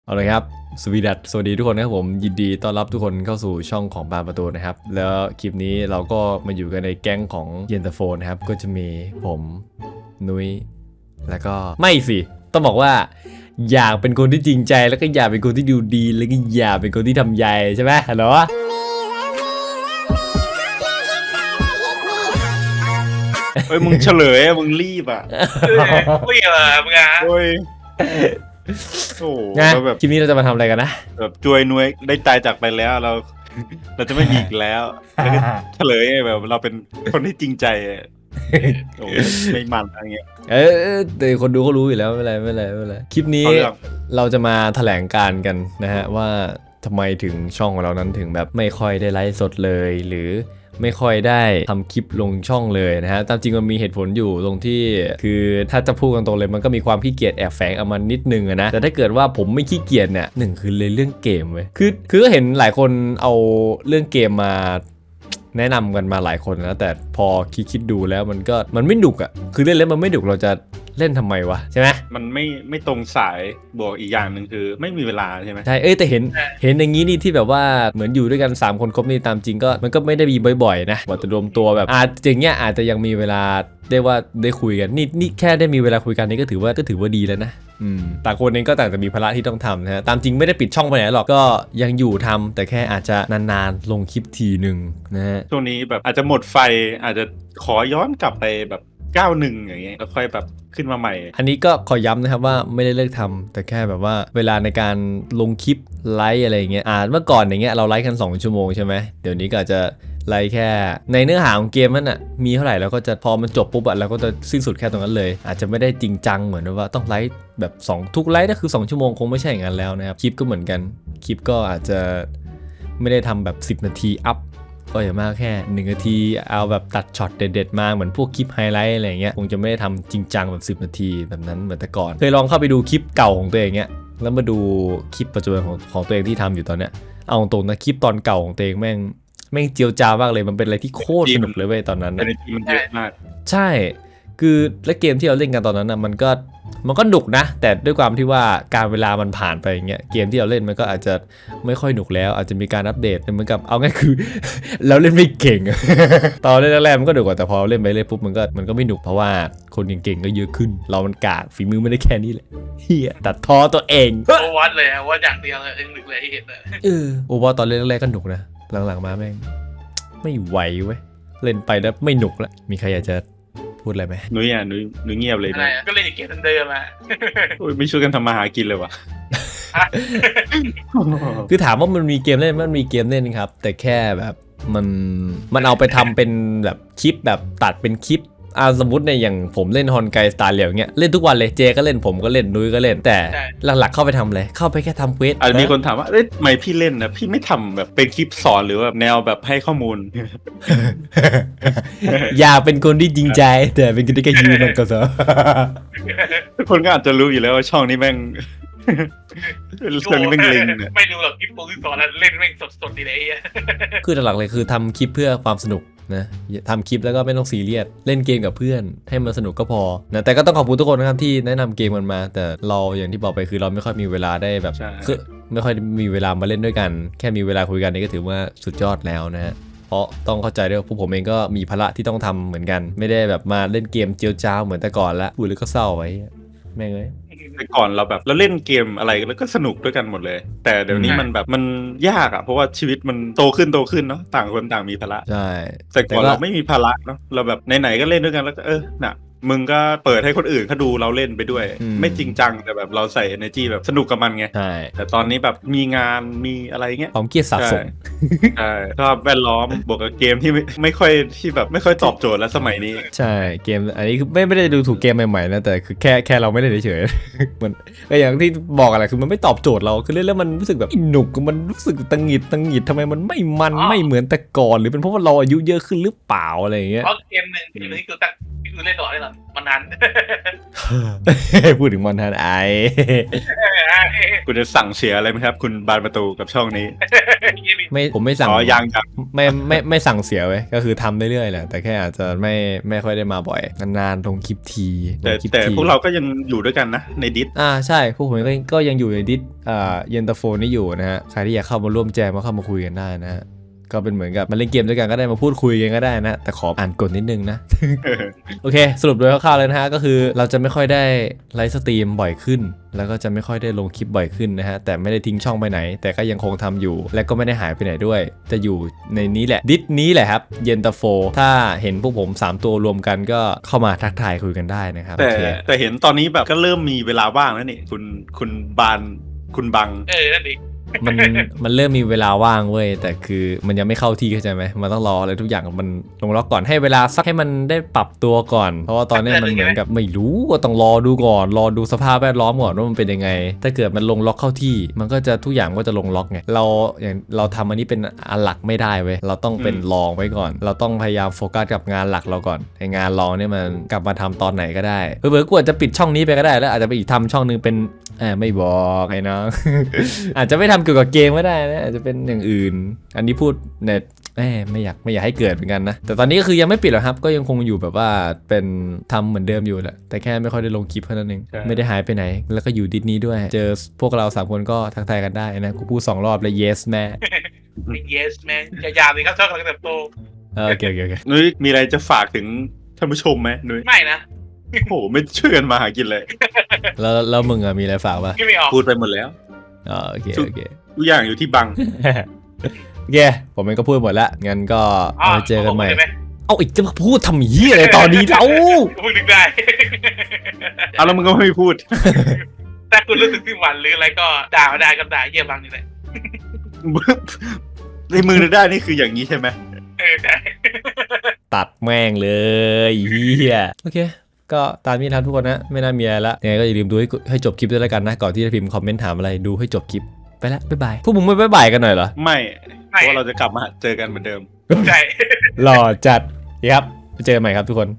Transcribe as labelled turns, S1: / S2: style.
S1: เอาเลยครับสวัสดีทุกคนนะครับผมยินดีต้อนรับทุกคนเข้าสู่ช่องของบานประตูนะครับแล้วคลิปนี้เราก็มาอยู่กันในแก๊งของเย็นตาโฟนะครับก็จะมีผมนุ้ยแล้วก็ไม่สิต้องบอกว่าอยากเป็นคนที่จริงใจแล้วก็อยากเป็นคนที่ดูดีแล้วก็อยากเป็นคนที่ทำใยใช่ไหมฮัลโหล
S2: เฮ้ยมึงเฉลยมึงรีบอ่ะ
S3: ไม่เหรอมึงอ่ะ
S2: โอ้ยโอ้
S1: นะ
S2: เราแบบ
S1: คลิปนี้เราจะมาทำอะไรกันนะ
S2: แบบจวยนวยได้ตายจากไปแล้วเราจะไม่มีอีกแล้วแล้วก็เฉลยแบบเราเป็นคนที่จริงใจโอ้ไม่มันอะไรเงี้ย
S1: แต่คนดูก็รู้อยู่แล้วไม่เป็นไรคลิปนี้เราจะมาแถลงการกันนะฮะว่าทำไมถึงช่องของเรานั้นถึงแบบไม่ค่อยได้ไลฟ์สดเลยหรือไม่ค่อยได้ทำคลิปลงช่องเลยนะฮะตามจริงมันมีเหตุผลอยู่ตรงที่คือถ้าจะพูดกันตรงเลยมันก็มีความขี้เกียจแอบแฝงเอามานิดนึงนะแต่ถ้าเกิดว่าผมไม่ขี้เกียจเนี่ยหนึ่งคือเลยเรื่องเกมเว้ยคือก็เห็นหลายคนเอาเรื่องเกมมาแนะนำกันมาหลายคนนะแต่พอคิดดูแล้วมันไม่หนุกอ่ะคือเล่นแล้วมันไม่หนุกเราจะเล่นทำไมวะใช่ไหม
S2: มันไม่ตรงสายบวกอีกอย่างหนึ่งคือไม่มีเวลาใช่ไหม
S1: ใช่แต่เห็นอย่างนี้นี่ที่แบบว่าเหมือนอยู่ด้วยกัน3คนครบนี่ตามจริงก็มันก็ไม่ได้มีบ่อยๆนะว่าจะรวมตัวแบบอย่างเงี้ยอาจจะยังมีเวลาได้คุยกันนี่แค่ได้มีเวลาคุยกันนี่ก็ถือว่าดีแล้วนะต่างคนเองก็ต่างจะมีภาระที่ต้องทำนะฮะตามจริงไม่ได้ปิดช่องไปไหนหรอกก็ยังอยู่ทำแต่แค่อาจจะนานๆลงคลิปทีหนึ่งนะฮะ
S2: ช่วงนี้แบบอาจจะหมดไฟอาจจะขอย้อนกลับไปแบบ91อย่างเงี้ยแล้วค่อยแบบขึ้นมาใหม่
S1: อันนี้ก็ขอย้ำนะครับว่าไม่ได้เลิกทำแต่แค่แบบว่าเวลาในการลงคลิปไลฟ์อะไรอย่างเงี้ยเมื่อก่อนอย่างเงี้ยเราไลฟ์กัน2 ชั่วโมงใช่ไหมเดี๋ยวนี้ก็อาจจะไลฟ์แค่ในเนื้อหาของเกมนั่นน่ะมีเท่าไหร่แล้วก็จะพอมันจบปุ๊บเราก็จะสิ้นสุดแค่ตรงนั้นเลยอาจจะไม่ได้จริงจังเหมือนว่าต้องไลฟ์แบบทุกไลฟ์ก็คือ2 ชั่วโมงคงไม่ใช่อย่างนั้นแล้วนะครับคลิปก็เหมือนกันคลิปก็อาจจะไม่ได้ทำแบบ10 นาทีอัพก็อย่างมากแค่1 นาทีเอาแบบตัดช็อตเด็ดๆมาเหมือนพวกคลิปไฮไลท์อะไรเงี้ยคงจะไม่ได้ทำจริงจังแบบ10 นาทีแบบนั้นเหมือนแต่ก่อนเคยลองเข้าไปดูคลิปเก่าของตัวเองเงี้ยแล้วมาดูคลิปปัจจุบันของตัวเองที่ทำอยู่ตอนเนี้ยเอาตรงนะคลิปตอนเก่าของตัวเองแม่งเจียวจ้าวมากเลยมันเป็นอะไรที่โคตรสนุกเลยเว้ยตอนนั้นนะ
S2: energy มันเยอะมาก
S1: ใช่คือและเกมที่เราเล่นกันตอนนั้นนะมันก็หนุกนะแต่ด้วยความที่ว่าการเวลามันผ่านไปอย่างเงี้ยเกมที่เราเล่นมันก็อาจจะไม่ค่อยหนุกแล้วอาจจะมีการอัปเดตเหมือนกับเอาง่ายคือ เราเล่นไม่เก่ง ตอนเล่นแรกๆมันก็หนุกกว่าแต่พอเล่นไปเรื่อยปุ๊บมันก็ไม่หนุกเพราะว่าคนเก่งๆก็เยอะขึ้นเรามันกากฝีมือไม่ได้แค่นี้แหละเฮียตัดท้อตัวเอง
S3: โอวัดเลยว่าอย่างเดียวเลยเองหนึ่งเลยที่เห็นเลย
S1: โอว่าตอนเล่นแรกๆก็หนุกนะหลังๆมาแม่งไม่ไหวเว้ยเล่นไปแล้วไม่หนุกละมีใครอยากจะพูดอะไรไหม
S2: นุ้ยเงียบเลย
S3: อะไร
S2: นะ
S3: ก็เล่นเกมเดิมมา
S2: ไม่ช่วยกันทำมาหากินเลยวะ
S1: คือถามว่ามันมีเกมเล่นมันมีเกมเล่นครับ แต่แค่แบบมันเอาไปทำเป็นแบบคลิปแบบตัดเป็นคลิปสมมติในอย่างผมเล่นฮอนไกสตาร์เหลียวเงี้ยเล่นทุกวันเลยเจก็เล่นผมก็เล่นนุ้ยก็เล่นแต่หลักๆเข้าไปทำอะไรเข้าไปแค่ทำเควส
S2: อาจจะมีคนถามว่าเอ๊ะทำไมพี่เล่นนะพี่ไม่ทำแบบเป็นคลิปสอนหรือว่าแนวแบบให้ข้อมูล
S1: อยากเป็นคนที่จริงใจแต่เป็นคนที่แค่ยืนมันก็เถอะ
S2: ทุกคนก็อาจจะรู้อยู่แล้วว่าช่องนี้แม่ง ช่องนี้แม่งลิงเนี่ย
S3: ไม่รู้หรอกคลิปโปรดิวเซอร์เล่นแม่งสดๆดีเลย
S1: คือหลักๆเลยคือทำคลิปเพื่อความสนุกนะทำคลิปแล้วก็ไม่ต้องซีเรียสเล่นเกมกับเพื่อนให้มันสนุกก็พอนะแต่ก็ต้องขอบคุณทุกคนนะครับที่แนะนำเกมกันมาแต่เราอย่างที่บอกไปคือเราไม่ค่อยมีเวลาได้แบบคือไม่ค่อยมีเวลามาเล่นด้วยกันแค่มีเวลาคุยกันนี่ก็ถือว่าสุดยอดแล้วนะฮะเพราะต้องเข้าใจด้วยว่าพวกผมเองก็มีภาระที่ต้องทำเหมือนกันไม่ได้แบบมาเล่นเกมเจียวจ้าวเหมือนแต่ก่อนละพูดแล้วก็เศร้าไว้แม่งเลย
S2: แต่ก่อนเราแบบเราเล่นเกมอะไรแล้วก็สนุกด้วยกันหมดเลย แต่เดี๋ยวนี้มันแบบมันยากอ่ะเพราะว่าชีวิตมันโตขึ้นเนาะต่างคนต่างมีภาระ
S1: ใช่
S2: แต่ก่อนเราไม่มีภาระเนาะเราแบบไหนๆก็เล่นด้วยกันแล้วก็น่ะมึงก็เปิดให้คนอื่นเขาดูเราเล่นไปด้วยไม่จริงจังแต่แบบเราใส่ energy แบบสนุกกับมันไง
S1: ใช่
S2: แต่ตอนนี้แบบมีงานมีอะไรเงี้ย
S1: ความเครียดสะสม
S2: ใช่ชอบแวดล้อมบวกกับเกมที่ไม่ค่อยที่แบบไม่ค่อยตอบโจทย์แล้วสมัยนี้
S1: ใช่เกมอันนี้คือไม่ได้ดูถูกเกมใหม่ๆนะแต่คือแค่เราไม่ได้เฉยๆมันก็อย่างที่บอกอะไรคือมันไม่ตอบโจทย์เราคือเล่นแล้วมันรู้สึกแบบหนุกมันรู้สึกตังหงิดทำไมมันไม่เหมือนแต่ก่อนหรือเป็นเพราะว่าเราอายุเยอะขึ้นหรือเปล่าอะไรอย่างเงี้ย
S3: เพราะเกมหนึ่งที่คือตั้งคือเล่นต่อได้หรอมันนั้น
S1: พูดถึงมอนทันไอ
S2: คุณจะสั่งเสียอะไรไหมครับ คุณบานประตูกับช่องนี้
S1: ไม่ผมไม่สั่ง
S2: อ๋อยัง
S1: ไม่สั่งเสียไว้ก็คือทำเรื่อยๆแหละแต่แค่อาจจะไม่ค่อยได้มาบ่อยนานๆลงคลิปทีล
S2: แต่
S1: งคลิป
S2: แต่
S1: ที
S2: พวกเราก็ยังอยู่ด้วยกันนะในดิส
S1: ใช่พวกผมก็ยังอยู่ในดิสเย็นตาโฟนี่อยู่นะฮะใครที่อยากเข้ามาร่วมแจมก็เข้ามาคุยกันได้นะฮะก็เป็นเหมือนกับมาเล่นเกมด้วยกันก็ได้มาพูดคุยกันก็ได้นะแต่ขออ่านกฎนิดนึงนะ โอเคสรุปโดยคร่าวๆเลยนะฮะก็คือเราจะไม่ค่อยได้ไลฟ์สตรีมบ่อยขึ้น แล้วก็จะไม่ค่อยได้ลงคลิปบ่อยขึ้นนะฮะแต่ไม่ได้ทิ้งช่องไปไหน แต่ก็ยังคงทำอยู่ และก็ไม่ได้หายไปไหนด้วย จะอยู่ในนี้แหละดิสนี้แหละครับเย็นตาโฟถ้าเห็นพวกผม3ตัวรวมกันก็เข้ามาทักทายคุยกันได้นะครับ
S2: แต่
S1: โอเค
S2: แต่เห็นตอนนี้แบบก็เริ่มมีเวลาว่างแล้วนี่คุณบานคุณบัง
S3: นั่นดิ
S1: มันเริ่มมีเวลาว่างเว้ยแต่คือมันยังไม่เข้าที่เข้าใจไหมมันต้องรออะไรทุกอย่างมันลงล็อกก่อนให้เวลาสักให้มันได้ปรับตัวก่อน เพราะว่าตอนนี้มันเหมือนกับไม่รู้ก็ต้องรอดูก่อนรอดูสภาพแวดล้อมก่อนว่ามันเป็นยังไง ถ้าเกิดมันลงล็อกเข้าที่ มันก็จะทุกอย่างก็จะลงล็อกไงเราทำอันนี้เป็นอันหลักไม่ได้เว้ยเราต้องเป็นรองไว้ก่อน เราต้องพยายามโฟกัสกับงานหลักเราก่อนไองานรองเนี่ยมันกลับมาทำตอนไหนก็ได้เผื่อๆกูอาจจะปิดช่องนี้ไปก็ได้แล้วอาจจะไปอีกทำช่องนึงเป็นไม่บอกไอ้น้อง อาจจะไม่ทำเกี่ยวกับเกมก็ได้นะอาจจะเป็นอย่างอื่น อันนี้พูดเนี่ยไม่อยากให้เกิดเหมือนกันนะแต่ตอนนี้ก็คือยังไม่ปิดหรอกครับก็ยังคงอยู่แบบว่าเป็นทำเหมือนเดิมอยู่แหละแต่แค่ไม่ค่อยได้ลงคลิปเท่านั้นเองไม่ได้หายไปไหน แล้วก็อยู่ดิสนี้ด้วย เจอพวกเรา3คนก็ทักทายกันได้นะกูพูด2 รอบเลย yes แม่
S3: yes man อย่ายามเลยครับช่องกำลังเติบโต
S1: โอเค
S2: นุ้ยมีอะไรจะฝากถึงท่านผู้ชมไหมนุ้ย
S3: ไม่นะ
S2: โอ้โหไม่ช่วยกันมาหากินเลย
S1: แล้วมึงอะมีอะไรฝากป่ะ
S3: พี่ไม่ออก
S2: พูดไปหมดแล้ว
S1: โอเค
S2: ทุกอย่างอยู่ที่บัง
S1: โอเคผมเองก็พูดหมดละงั้นก็เอาไว้เจอกันใหม่
S3: ได้ไหม
S1: เอาอีกจะมาพูดทำเหี้ยอะไรตอนนี้เรา
S3: พูดนึกได้
S2: เอาแล้วมึงก็ไม่พูด
S3: ถ้าคุณรู้สึกที่หวั่นหรืออะไรก็ด่ามาได้ก็ด่าเยี่ยบังนี่แหละ
S2: ในมือได้นี่คืออย่างนี้ใช่ไหม
S3: ใช่
S1: ตัดแม่งเลยเฮียโอเค ก็ตามนี้ครับทุกคนนะ ไม่น่ามีอะไรละยังไงก็อย่าลืมดูให้จบคลิปด้วยแล้วกันนะ ก่อนที่จะพิมพ์คอมเมนต์ถามอะไรดูให้จบคลิป ไปละบ๊ายบาย พวกมึงไม่บ๊ายบายกันหน่อยเหรอ
S2: ไม่เพราะว่าเราจะกลับมาเจอกันเหมือนเดิม
S3: ใช่
S1: หล่อจัดครับไปเจอกันใหม่ครับทุกคน